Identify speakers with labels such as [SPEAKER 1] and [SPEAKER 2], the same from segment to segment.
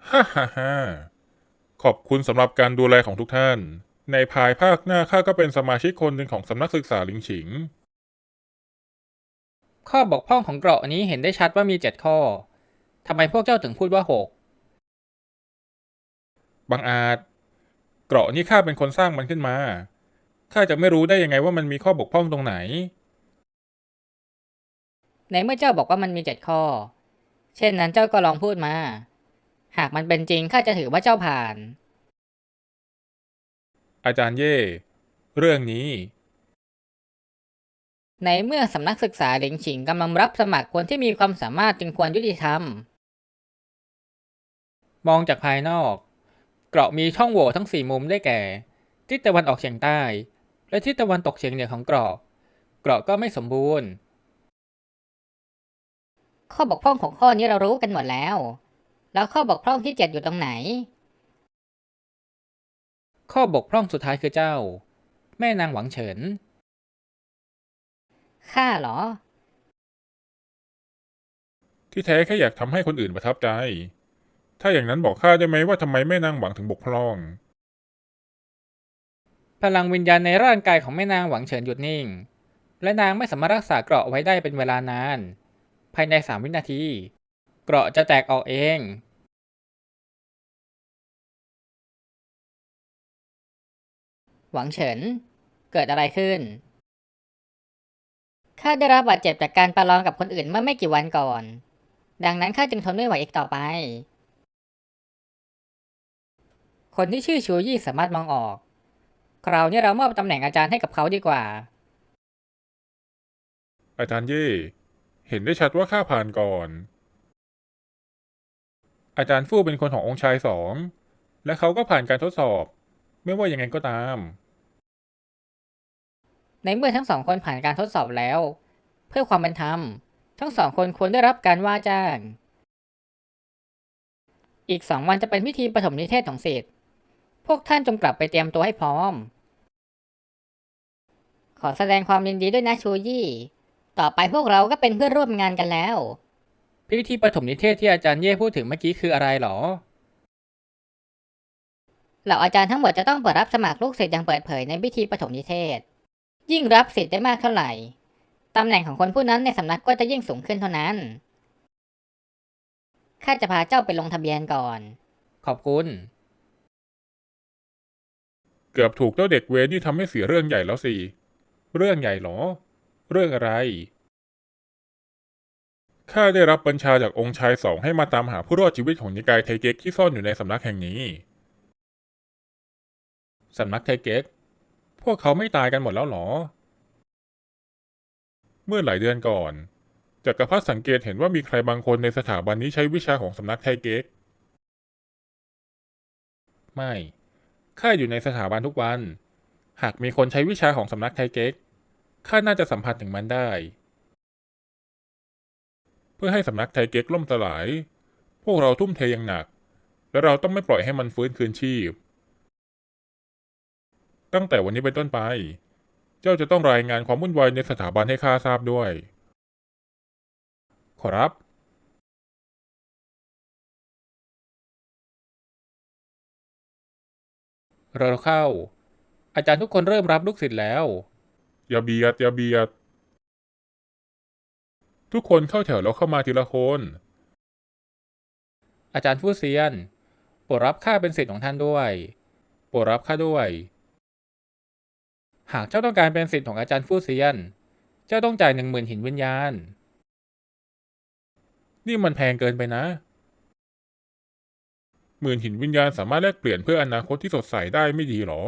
[SPEAKER 1] ฮ่าฮ่าฮ่าขอบคุณสำหรับการดูแลของทุกท่านในภายภาคหน้าข้าก็เป็นสมาชิกคนหนึ่งของสำนักศึกษาหลิงฉิง
[SPEAKER 2] ข้อบกพร่องของเกราะนี้เห็นได้ชัดว่ามี7 ข้อทำไมพวกเจ้าถึงพูดว่า6
[SPEAKER 1] บางอาจเกราะนี้ข้าเป็นคนสร้างมันขึ้นมาข้าจะไม่รู้ได้ยังไงว่ามันมีข้อบกพร่องตรงไหน
[SPEAKER 2] ในเมื่อเจ้าบอกว่ามันมี7 ข้อเช่นนั้นเจ้าก็ลองพูดมาหากมันเป็นจริงข้าจะถือว่าเจ้าผ่าน
[SPEAKER 1] อาจารย์เย่เรื่องนี้
[SPEAKER 2] ในเมื่อสำนักศึกษาหลิงฉิงกำลังรับสมัครคนที่มีความสามารถจึงควรยุติธรรมมองจากภายนอกเกราะมีช่องโหว่ทั้ง4 มุมได้แก่ทิศตะวันออกเฉียงใต้และทิศตะวันตกเฉียงเหนือของเกราะก็ไม่สมบูรณ์ข้อบกพร่องของข้อนี้เรารู้กันหมดแล้วข้อบกพร่องที่7อยู่ตรงไหนข้อบกพร่องสุดท้ายคือเจ้าแม่นางหวังเฉินข้าเหรอ
[SPEAKER 1] ที่แท้แค่อยากทำให้คนอื่นประทับใจถ้าอย่างนั้นบอกข้าได้ไหมว่าทำไมแม่นางหวังถึงบกพร่อง
[SPEAKER 2] พลังวิญญาณในร่างกายของแม่นางหวังเฉินหยุดนิ่งและนางไม่สามารถรักษาเกราะไว้ได้เป็นเวลานานภายใน3 วินาทีเกราะจะแตกออกเองหวังเฉินเกิดอะไรขึ้นข้าได้รับบาดเจ็บจากการประลองกับคนอื่นเมื่อไม่กี่วันก่อนดังนั้นข้าจึงทนไม่ไหวอีกต่อไปคนที่ชื่อชูยี่สามารถมองออกคราวนี้เรามอบตำแหน่งอาจารย์ให้กับเขาดีกว่า
[SPEAKER 1] อาจารย์เย่เห็นได้ชัดว่าข้าผ่านก่อนอาจารย์ฟู่เป็นคนขององค์ชายสองและเขาก็ผ่านการทดสอบไม่ว่ายังไงก็ตาม
[SPEAKER 2] ในเมื่อทั้ง2 คนผ่านการทดสอบแล้วเพื่อความเป็นธรรมทั้ง2 คนควรได้รับการว่าจ้างอีก2 วันจะเป็นพิธีปฐมนิเทศของศิษย์พวกท่านจงกลับไปเตรียมตัวให้พร้อมขอแสดงความยินดีด้วยนะชูยี่ต่อไปพวกเราก็เป็นเพื่อนร่วมงานกันแล้วพิธีปฐมนิเทศที่อาจารย์เย่พูดถึงเมื่อกี้คืออะไรหรอเหล่าอาจารย์ทั้งหมดจะต้องเปิดรับสมัครลูกศิษย์อย่างเปิดเผยในพิธีปฐมนิเทศยิ่งรับศิษย์ได้มากเท่าไหร่ตำแหน่งของคนผู้นั้นในสำนักก็จะยิ่งสูงขึ้นเท่านั้นข้าจะพาเจ้าไปลงทะเบียนก่อนขอบคุณ
[SPEAKER 1] เกือบถูกเจ้าเด็กเวรที่ทำให้เสียเรื่องใหญ่แล้วสิเรื่องใหญ่เหรอเรื่องอะไรข้าได้รับบัญชาจากองค์ชายสองให้มาตามหาผู้รอดชีวิตของนิกายไทเก๊กที่ซ่อนอยู่ในสำนักแห่งนี้สำนักไทเก๊กพวกเขาไม่ตายกันหมดแล้วหรอเมื่อหลายเดือนก่อนจักรพรรดิสังเกตเห็นว่ามีใครบางคนในสถาบันนี้ใช้วิชาของสำนักไทเก๊กไม่ข้าอยู่ในสถาบันทุกวันหากมีคนใช้วิชาของสำนักไทเก๊กข้าน่าจะสัมผัสถึงมันได้เพื่อให้สำนักไทเก๊กล่มสลายพวกเราทุ่มเทอย่างหนักและเราต้องไม่ปล่อยให้มันฟื้นคืนชีพตั้งแต่วันนี้เป็นต้นไปเจ้าจะต้องรายงานความวุ่นวายในสถาบันให้ข้าทราบด้วยขอรับ
[SPEAKER 2] เราเข้าอาจารย์ทุกคนเริ่มรับลูกศิษย์แล้ว
[SPEAKER 1] อย่าเบียดอย่าเบียดทุกคนเข้าแถวแล้วเข้ามาทีละคน
[SPEAKER 2] อาจารย์ฟู่เซียนโปรดรับข้าเป็นศิษย์ของท่านด้วยโปรดรับข้าด้วยหากเจ้าต้องการเป็นศิษย์ของอาจารย์ฟู่เซียนเจ้าต้องจ่าย10,000หินวิญญาณ
[SPEAKER 1] นี่มันแพงเกินไปนะหมื่นหินวิญญาณสามารถแลกเปลี่ยนเพื่ออนาคตที่สดใสได้ไม่ดีหรอ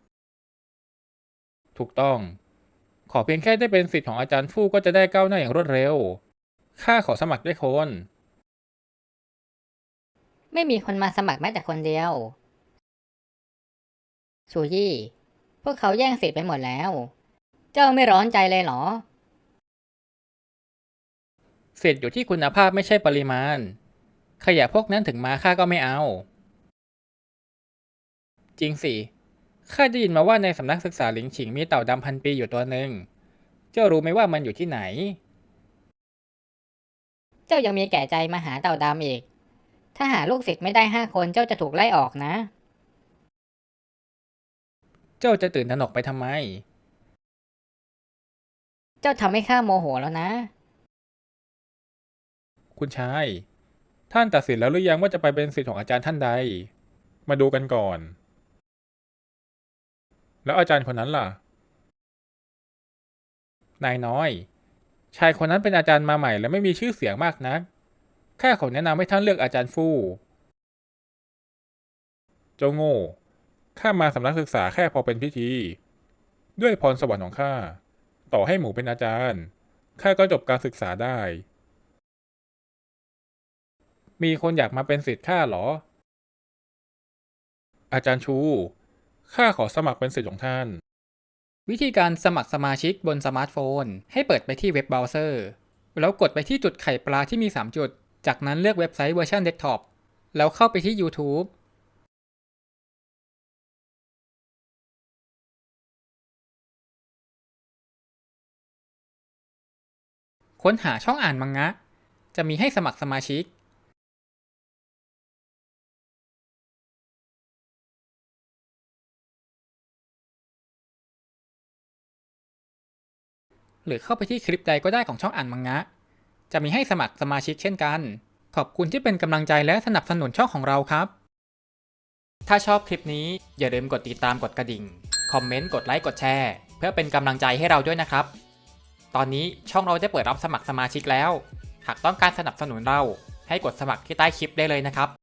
[SPEAKER 2] ถูกต้องขอเพียงแค่ได้เป็นศิษย์ของอาจารย์ฟู่ก็จะได้ก้าวหน้าอย่างรวดเร็วข้าขอสมัครด้วยคนไม่มีคนมาสมัครแม้แต่คนเดียวชูยี่พวกเขาแย่งศิษย์ไปหมดแล้วเจ้าไม่ร้อนใจเลยเหรอศิษย์อยู่ที่คุณภาพไม่ใช่ปริมาณขยะพวกนั้นถึงมาข้าก็ไม่เอาจริงสิข้าได้ยินมาว่าในสำนักศึกษาหลิงฉิงมีเต่าดำ1,000 ปีอยู่ตัวหนึ่งเจ้ารู้ไหมว่ามันอยู่ที่ไหนเจ้ายังมีแก่ใจมาหาเต่าดำอีก
[SPEAKER 3] ถ้าหาลูกศิษย์ไม่ได้5 คนเจ้าจะถูกไล่ออกนะ
[SPEAKER 2] เจ้าจะตื่นตระหนกไปทำไม
[SPEAKER 3] เจ้าทำให้ข้าโมโหแล้วนะ
[SPEAKER 2] คุณชาย ท่านตัดสินแล้วหรือยังว่าจะไปเป็นศิษย์ของอาจารย์ท่านใด มาดูกันก่อน แล้วอาจารย์คนนั้นล่ะ นายน้อย ชายคนนั้นเป็นอาจารย์มาใหม่และไม่มีชื่อเสียงมากนักข้าขอแนะนำให้ท่านเลือกอาจารย์ฟู่ เจ้าโง่ ข้ามาสำนักศึกษาแค่พอเป็นพิธี ด้วยพรสวรรค์ของข้า ต่อให้หมูเป็นอาจารย์ ข้าก็จบการศึกษาได้ มีคนอยากมาเป็นศิษย์ข้าเหรอ อาจารย์ชู ข้าขอสมัครเป็นศิษย์ของท่าน วิธีการสมัครสมาชิกบนสมาร์ทโฟน ให้เปิดไปที่เว็บเบราว์เซอร์ แล้วกดไปที่จุดไข่ปลาที่มี 3 จุด จากนั้นเลือกเว็บไซต์เวอร์ชันเดสก์ท็อป แล้วเข้าไปที่ YouTube ค้นหาช่องอ่านมังงะ จะมีให้สมัครสมาชิก หรือเข้าไปที่คลิปใดก็ได้ของช่องอ่านมังงะ จะมีให้สมัครสมาชิกเช่นกัน ขอบคุณที่เป็นกำลังใจและสนับสนุนช่องของเราครับ ถ้าชอบคลิปนี้อย่าลืมกดติดตามกดกระดิ่ง คอมเมนต์ กดไลค์ กดแชร์ เพื่อเป็นกำลังใจให้เราด้วยนะครับ ตอนนี้ช่องเราได้เปิดรับสมัครสมาชิกแล้ว หากต้องการสนับสนุนเราให้กดสมัครที่ใต้คลิปได้เลยนะครับ